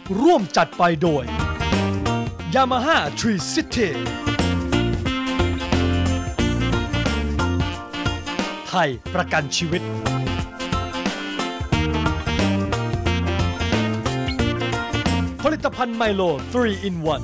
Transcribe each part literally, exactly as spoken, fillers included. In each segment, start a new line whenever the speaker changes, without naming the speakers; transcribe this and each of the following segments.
ร่วมจัดไปโดย Yamaha Tree City ไทยประกันชีวิตผลิตภัณฑ์ไมโล ทรี อิน วัน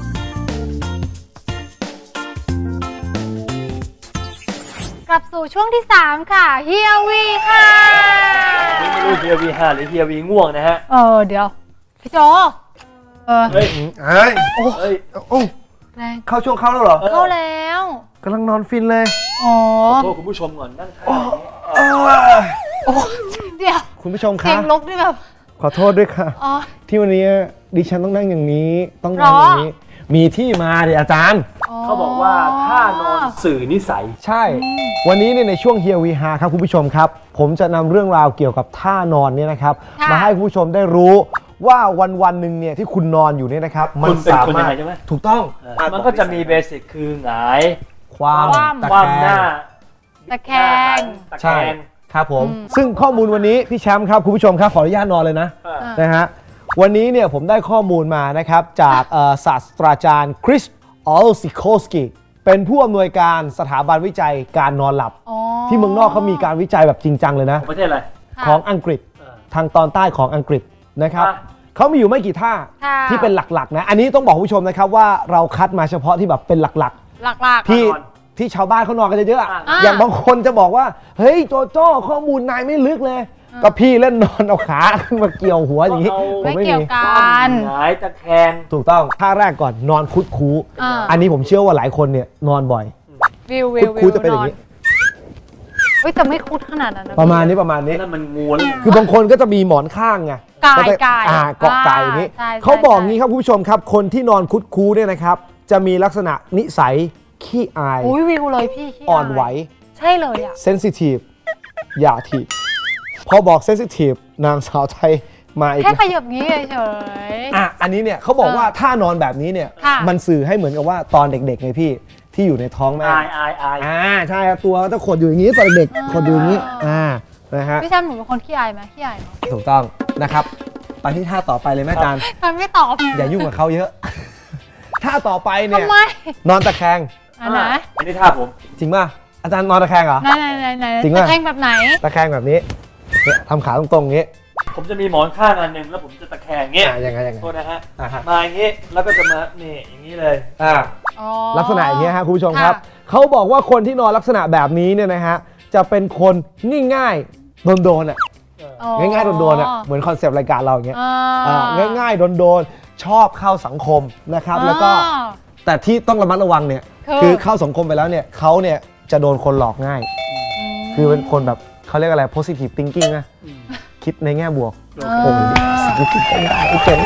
กลับสู่ช่วงที่สามค่ะเฮียวีค่ะ
ไม่รู้เฮียวีห้าหรือเฮียวีง่วงนะฮะ
เออเดี๋ยวพี่โจเออ
เฮ้ย
เฮ้ย
โอ้เฮ้ย
โอ้เข้าช่วงเข้าแล้วเหรอ
เข้าแล้ว
กำลังนอนฟินเลย
อ๋อ
ขอโทษคุณผู้ชมก่อนนั่งท่า
โอ้เดี๋ยว
คุณผู้ชมคะ
เสียงลบนี่แบบ
ขอโทษด้วยค่ะที่วันนี้ดิฉันต้องนั่งอย่างนี้ต้องนั่งอย่างนี้มีที่มาดิอาจารย์
เขาบอกว่าท่านอนสื่อนิสัย
ใช่วันนี้เนี่ยในช่วงเฮียวีฮาครับคุณผู้ชมครับผมจะนำเรื่องราวเกี่ยวกับท่านอนเนี่ยนะครับมาให้คุณผู้ชมได้รู้ว่าวันวันหนึ่งเนี่ยที่คุณนอนอยู่เนี่ยนะครับ
มันสามารถ
ถูกต้อง
มันก็จะมีเบสิกคือหงาย
ความ
ตะแคง
ตะแคง
ใช่ครับผมซึ่งข้อมูลวันนี้พี่แชมป์ครับคุณผู้ชมครับขออนุญาตนอนเลยนะนะฮะวันนี้เนี่ยผมได้ข้อมูลมานะครับจากศาสตราจารย์คริสออลซิโคสกี้เป็นผู้อำนวยการสถาบันวิจัยการนอนหลับที่เมืองนอกเขามีการวิจัยแบบจริงจังเลยนะ
ประเทศอะไร
ของอังกฤษทางตอนใต้ของอังกฤษนะครับเขามีอยู่ไม่กี่ท่าที่เป็นหลักๆนะอันนี้ต้องบอกผู้ชมนะครับว่าเราคัดมาเฉพาะที่แบบเป็นหลักๆ
หลัก
ๆที่ที่ชาวบ้านเขานอนกันเยอะๆอย่างบางคนจะบอกว่าเฮ้ยโจโจ้ข้อมูลนายไม่ลึกเลยก็พี่เล่นนอนเอาขาขึ้นมาเกี่ยวหัวอย่างนี้
ผมไม่เกี่ยวกัน
หงายตะแคง
ถูกต้องท่าแรกก่อนนอนคุดคูอันนี้ผมเชื่อว่าหลายคนเนี่ยนอนบ่อย
วิววิว
คุดจะเป็นอย่างนี้
เฮ้ยแต่ไม่คุดขนาดนั้น
ประมาณนี้ประมาณนี้
นั่นมันงูแล้ว
คือบางคนก็จะมีหมอนข้างไง
กายกาย
อ่าเกาะกายอย่างนี้เขาบอกงี้ครับคุณผู้ชมครับคนที่นอนคุดคูเนี่ยนะครับจะมีลักษณะนิสัยขี้อาย
อุ้ยวิวเลยพี่
อ่อนไหว
ใช่เลยอ่ะ
เซนซิทีฟอย่าทีพอบอกเซนซิทีฟนางสาวไทยมาอีก
แค่ขยับงี้เฉย
อ่ะอันนี้เนี่ยเขาบอกว่าถ้านอนแบบนี้เนี่ยมันสื่อให้เหมือนกับว่าตอนเด็กๆไงพี่ที่อยู่ในท้องแม่
อายอายอาย
อ่าใช่ครับตัวจะขดอยู่อย่างนี้ตอนเด็กขดอยู่อย่างนี้อ่านะฮะ
พี่แชมป์หนูเป็นคนขี้อายไหมขี้อาย
ถูกต้องนะครับไปที่ท่าต่อไปเลยแม่จาน
ทำไม่ตอบ
อย่ายุ่งกับเขาเยอะท่าต่อไปเนี่ยนอนตะแคง
อันไหน
อันนี้ท่าผม
จริงป่ะอาจารย์นอนตะแคงเหรอ
ไหนไหนไหนจริงป่ะตะแคงแบบไหน
ตะแคงแบบนี้เนี่ยทำขาตรงๆงี้
ผมจะมีหมอนข้างอันหนึ่งแล้วผมจะตะแคงเงี้ย
ยังไงยังไง
โทษนะฮะมาอย่างงี้แล้วก็จะมานี่อย่างนี้เลย
อ่าลักษณะอย่างเงี้ยฮะคุณผู้ชมครับเขาบอกว่าคนที่นอนลักษณะแบบนี้เนี่ยนะฮะจะเป็นคนง่ายๆโดนๆอ่ะง่ายๆโดนๆอ่ะเหมือนคอนเซปต์รายการเราอย่างเงี้ยง่ายๆโดนๆชอบเข้าสังคมนะครับแล้วก็แต่ที่ต้องระมัดระวังเนี่ยคือเข้าสังคมไปแล้วเนี่ยเขาเนี่ยจะโดนคนหลอกง่ายคือเป็นคนแบบเขาเรียกอะไร positive thinking นะคิดในแง่บวกโอ้โหคิดได้เจ๋ง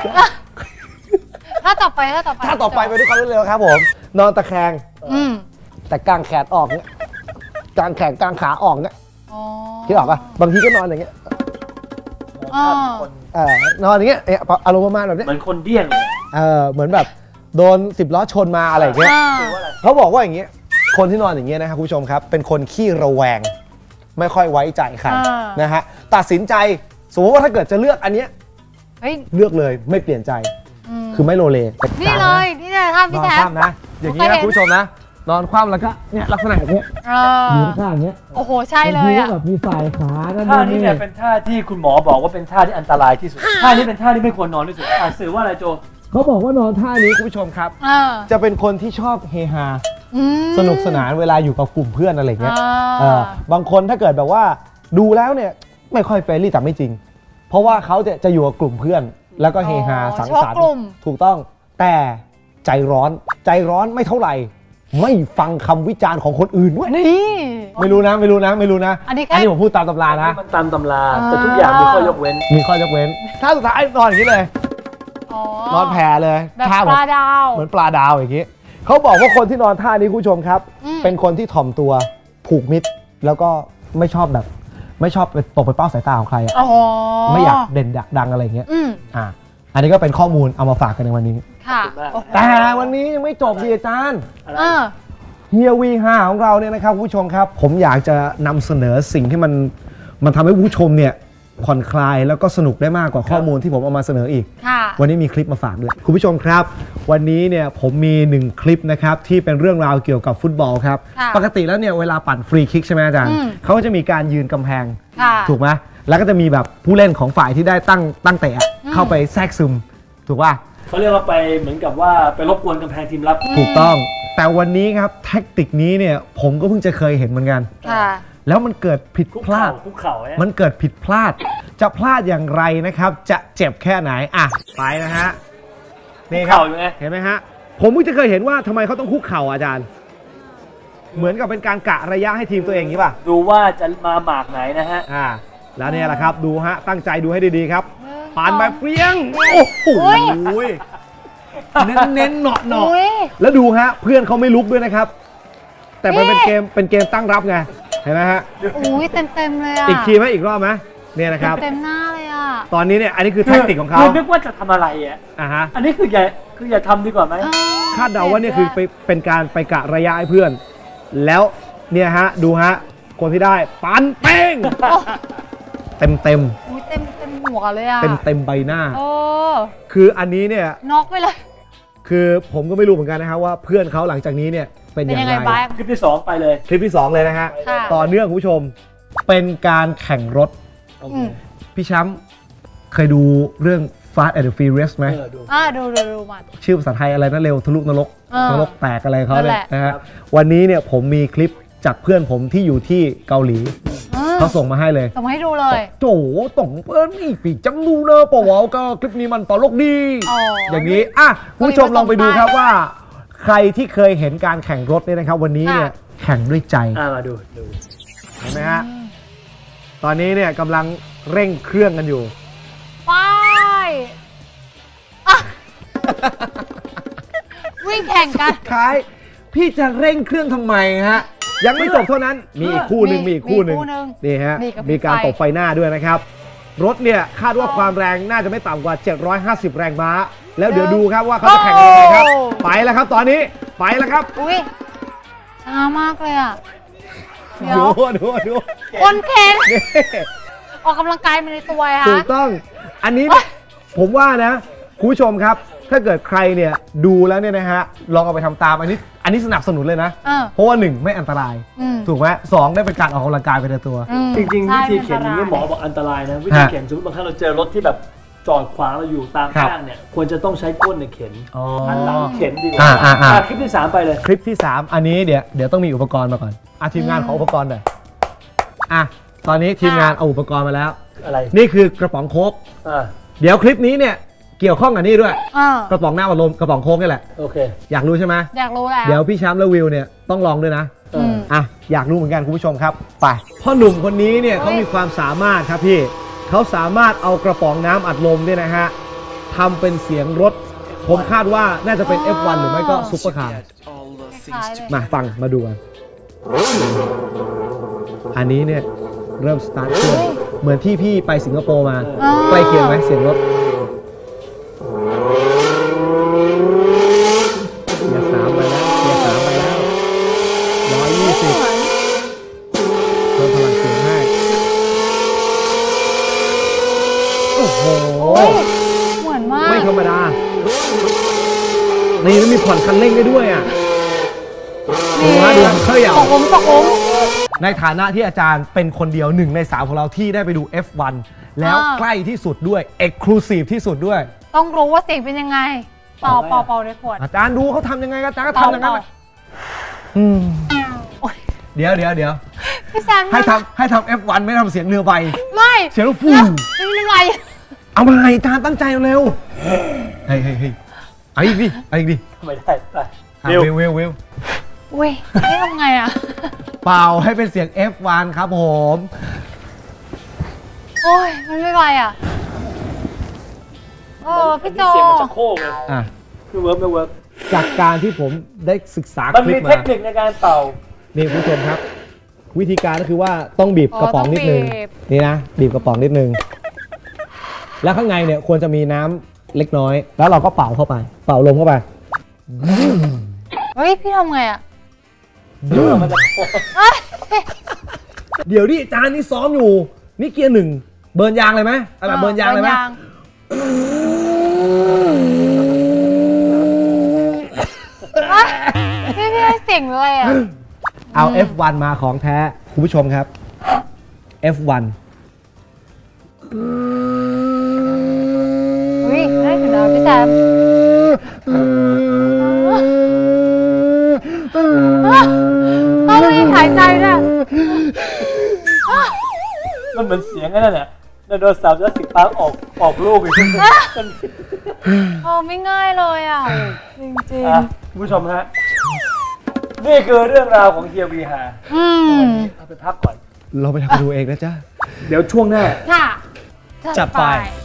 ถ้าต่อไปถ้าต่อไป
ถ้าต่อไปไปด้วยความรวดเร็วครับผมนอนตะแคงแต่กางแขนออกเนี่ยกางแขนกางขาออกเนี่ยคิดออกป่ะบางทีก็นอนอย่างเงี้ยเออนอนอย่างเงี้ยอารมณ์ประมาณแบบนี้
เหมือนคนเดี้ยงเลย
เออเหมือนแบบโดนสิบล้อชนมาอะไรอย่างเงี้ยเขาบอกว่าอย่างเงี้ยคนที่นอนอย่างเงี้ยนะครับคุณผู้ชมครับเป็นคนขี้ระแวงไม่ค่อยไว้ใจใครนะฮะตัดสินใจสมมติว่าถ้าเกิดจะเลือกอันเนี้ยเลือกเลยไม่เปลี่ยนใจคือไม่โลเล
นี่เลยนี่เลยท่าพี่แท
นนะอย่างนี้นะคุณผู้ชมนะนอนคว่ำแล้วก็เนี่ยลักษณะอย่างเงี้ยยืนข้างอย่างเงี้ย
โอ้โหใช่เลยอ่ะ
แบบมีสายขา
ท่านี้เนี่ยเป็นท่าที่คุณหมอบอกว่าเป็นท่าที่อันตรายที่สุดท่านี้เป็นท่าที่ไม่ควรนอนที่สุดอ่านสื่อว่าอะไรโจ
เขาบอกว่านอนท่านี้คุณผู้ชมครับจะเป็นคนที่ชอบเฮฮาสนุกสนานเวลาอยู่กับกลุ่มเพื่อนอะไรเงี้ยบางคนถ้าเกิดแบบว่าดูแล้วเนี่ยไม่ค่อยเฟรนลี่แต่ไม่จริงเพราะว่าเขาจะจะอยู่กับกลุ่มเพื่อนแล้วก็เฮฮาสังสรรค์ถูกต้องแต่ใจร้อนใจร้อนไม่เท่าไหร่ไม่ฟังคำวิจารณ์ของคนอื่นด้วย
นี่
ไม่รู้นะไม่รู้นะไม่รู้นะ
อันนี้
ผมพูดตามตำรานะ
มันตามตำราแต่ทุกอย่างมีข้อยกเว้น
มีข้อยกเว้นถ้าสุดท้ายนอนอย่างนี้เลยนอนแผ่เลย
ท่าปลาดาว
เหมือนปลาดาวอย่างนี้เขาบอกว่าคนที่นอนท่านี้คุณผู้ชมครับเป็นคนที่ถ่อมตัวผูกมิตรแล้วก็ไม่ชอบแบบไม่ชอบไปตกไปเป้าสายตาของใครไม่อยากเด่นดังอะไรเงี้ยอ่าอันนี้ก็เป็นข้อมูลเอามาฝากกันในวันนี้
ค่ะ
แต่วันนี้ยังไม่จบดิอาจารย์เฮียวีห้าของเราเนี่ยนะครับผู้ชมครับผมอยากจะนำเสนอสิ่งที่มันมันทำให้ผู้ชมเนี่ยผ่อนคลายแล้วก็สนุกได้มากกว่าข้อมูลที่ผมเอามาเสนออีกวันนี้มีคลิปมาฝากด้วยคุณผู้ชมครับวันนี้เนี่ยผมมีหนึ่งคลิปนะครับที่เป็นเรื่องราวเกี่ยวกับฟุตบอลครับปกติแล้วเนี่ยเวลาปั่นฟรีคิกใช่ไหมอาจารย์เขาก็จะมีการยืนกำแพงถูกไหมแล้วก็จะมีแบบผู้เล่นของฝ่ายที่ได้ตั้งตั้งเตะเข้าไปแทรกซึมถูกป่ะ
เขาเรียกว่าไปเหมือนกับว่าไปรบกวนกำแพงทีมรับ
ถูกต้องแต่วันนี้ครับแท็กติกนี้เนี่ยผมก็เพิ่งจะเคยเห็นเหมือนกันแล้วมันเกิดผิดพลาดมันเกิดผิดพลาดจะพลาดอย่างไรนะครับจะเจ็บแค่ไหนอ่ะไปนะฮะนี่ครับเห็นไหมฮะผมเพิ่งจะเคยเห็นว่าทำไมเขาต้องคุกเข่าอาจารย์เหมือนกับเป็นการกะระยะให้ทีมตัวเองนี้ป่ะ
ดูว่าจะมาหมากไหนนะฮะ
อ่าแล้วเนี่ยแหละครับดูฮะตั้งใจดูให้ดีๆครับปานแบบเปรี้ยงโอ้โหเน้นเน้นหนอหนอแล้วดูฮะเพื่อนเขาไม่ลุกด้วยนะครับแต่มันเป็นเกมเป็นเกมตั้งรับไงเห็นไหมฮะ
อุ้ยเต็มเต็มเลยอ่ะ
อีกทีไหมอีกรอบไหมเนี่ยนะครับ
เต็มหน้าเลยอ่ะ
ตอนนี้เนี่ยอันนี้คือแท็กติกของเขา
นึกว่าจะทำอะไรอ่ะ
อ่าฮะ
อันนี้คืออย่าคืออย่าทำดีกว่าไหม
คาดเดาว่าเนี่ยคือไปเป็นการไปกะระยะให้เพื่อนแล้วเนี่ยฮะดูฮะคนที่ได้ปันเป้งเต็มเต็ม
อุ้ยเต็มเต็มหัวเลยอ่ะ
เต็มเต็มใบหน้า
โอ้
คืออันนี้เนี่ย
น็อกไปเลย
คือผมก็ไม่รู้เหมือนกันนะครับว่าเพื่อนเขาหลังจากนี้เนี่ยเป็นอย่างไร
คลิปที่สองไปเลย
คลิปที่สองเลยนะฮะต่อเนื่องคุณผู้ชมเป็นการแข่งรถพี่ช้ำเคยดูเรื่อง Fast and Furious ไหม
อ่าดูดูดูมา
ชื่อภาษาไทยอะไรนะเร็วทะลุนรกนรกแตกอะไรเขาเนี่ยนะฮะวันนี้เนี่ยผมมีคลิปจากเพื่อนผมที่อยู่ที่เกาหลีเขาส่งมาให้เลย
ส่งมาให้ดูเลย
โจต่งเปิ้ลนี่ปีจังดูเลยปะวะก็คลิปนี้มันตลกดีอย่างนี้อ่ะคุณผู้ชมลองไปดูครับว่าใครที่เคยเห็นการแข่งรถเนี่ยนะครับวันนี้เนี่ยแข่งด้วยใจ
มาดูดู
เห็นไหมฮะตอนนี้เนี่ยกำลังเร่งเครื่องกันอยู่
ไปวิ่งแข่งกัน
คล้ายพี่จะเร่งเครื่องทำไมฮะยังไม่จบเท่านั้นมีอีกคู่หนึ่งมีอีกคู่หนึ่งนี่ฮะมีการตบไฟหน้าด้วยนะครับรถเนี่ยคาดว่าความแรงน่าจะไม่ต่ำกว่าเจ็ดร้อยห้าสิบแรงม้าแล้วเดี๋ยวดูครับว่าเขาจะแข่งยังไงครับไปแล้วครับตอนนี้ไปแล้วครับ
อุ้ยช้ามากเลยอ่ะ
ดูดูดู
คนแข่งออกกำลังกายมาในตัวค่ะ
ถูกต้องอันนี้ผมว่านะคุณผู้ชมครับถ้าเกิดใครเนี่ยดูแล้วเนี่ยนะฮะลองเอาไปทำตามอันนี้อันนี้สนับสนุนเลยนะเพราะว่าหนึ่งไม่อันตรายถูกไหมสองได้เป็นการออกกำลังกายไปในตัว
จริงๆวิธีเข็นนี้หมอบอกอันตรายนะวิธีเข็นสมมติบางครั้งเราเจอรถที่แบบจอดขวางเราอยู่ตามข้างเนี่ยควรจะต้องใช้ก้นในเข็นอันหลังเข็นดีกว่าคลิปที่สามไปเลย
คลิปที่สามอันนี้เดี๋ยวเดี๋ยวต้องมีอุปกรณ์มาก่อนอ่ะทีมงานขออุปกรณ์หน่อยอ่ะตอนนี้ทีมงานเอาอุปกรณ์มาแล้ว
อะไร
นี่คือกระป๋องโค้กเดี๋ยวคลิปนี้เนี่ยเกี่ยวข้องกับนี่ด้วยกระป๋องหน้าพัดลมกระป๋องโค้กนี่แหละ
โอเค
อยากรู้ใช่ไหม
อยากรู้แล้ว
เดี๋ยวพี่ช้ำและวิวเนี่ยต้องลองด้วยนะอ่ะอยากรู้เหมือนกันคุณผู้ชมครับไปพ่อหนุ่มคนนี้เนี่ยเขามีความสามารถครับพี่เขาสามารถเอากระป๋องน้ำอัดลมเนี่ยนะฮะทำเป็นเสียงรถผมคาดว่าน่าจะเป็น เอฟ วัน หรือไม่ก็ซุปเปอร์คาร์มาฟังมาดูกันอันนี้เนี่ยเริ่มสตาร์ทเครื่องเหมือนที่พี่ไปสิงคโปร์มาใกล้เคียงไหมเสียงรถเกียร์สามไปแล้วเกียร์สามไปแล้วร้อยยี่สิบเพิ่มพลังเสียงให้โอ้โห
เหมือนมาก
ไม่ธรรมดานี่มีผ่อนคันเร่งได้ด้วยอ่ะดูฮะดูเคยอย่าง
ตกลงตกลง
ในฐานะที่อาจารย์เป็นคนเดียวหนึ่งในสามของเราที่ได้ไปดู เอฟ วัน แล้วใกล้ที่สุดด้วย Exclusive ที่สุดด้วย
ต้องรู้ว่าเสียงเป็นยังไงเป่าเป่าเป่าในขวด
อาจารย์ดูเขาทำยังไงอาจารย์ก็ทำอย่างนั้นเดี๋ยวเดี๋ยวเดี๋ยวให้ทำให้ทำ เอฟ วัน ไม่ทำเสียงเรือใบ
ไม่
เสียงฟู
ไม่เป็นไร
เอามาอาจารย์ตั้งใจเร็วเฮ้ยเฮ้ยเฮ้ยไอ้ดิไอ้ดิ
ไม่ได้
ไปวิววิววิว
เว้ยนี่ทำไงอ่ะ
เป่าให้เป็นเสียง เอฟ วัน ครับผม
โอ้ยมันไม่ไหวอ่ะโอ้พี่โจ
เสียงมันจะโค้งเลยอ่ะคือเวิร์กไม่เวิร์ก
จากการที่ผมได้ศึกษา
คลิปมามันมีเทคนิคในการเป่า
นี่คุณผู้ชมครับวิธีการก็คือว่าต้องบีบกระป๋องนิดนึงนี่นะบีบกระป๋องนิดนึงแล้วข้างในเนี่ยควรจะมีน้ำเล็กน้อยแล้วเราก็เป่าเข้าไปเป่าลมเข้าไป
เฮ้ยพี่ทำไงอ่ะ
เดี๋ยวมันจะ
เดี๋ยวดิอาจารย์นี่ซ้อมอยู่นี่เกียร์หนึ่งเบิร์นยางเลยไหมเอาแบบเบิร์นยางเลยไหม
พี่พี่ให้เสียงเลยอ่ะ
เอา เอฟ วัน มาของแท้คุณผู้ชมครับ เอฟ วัน
อุ้ยได้ถึงแล้วพี่แซมต้องรีบหายใจด้วย
มันเหมือนเสียงนั่นแหละไดโนเสาร์จะสิกปาร์ออกออกลูกอีก
โอ้ไม่ง่ายเลยอ่ะจริง
ๆคุณผู้ชมฮะนี่คือเรื่องราวของเฮียวีฮาเอาไปพักก่อน
เราไปทำดูเองนะจ๊ะ
เดี๋ยวช่วงหน้า
ค่ะ
จับไป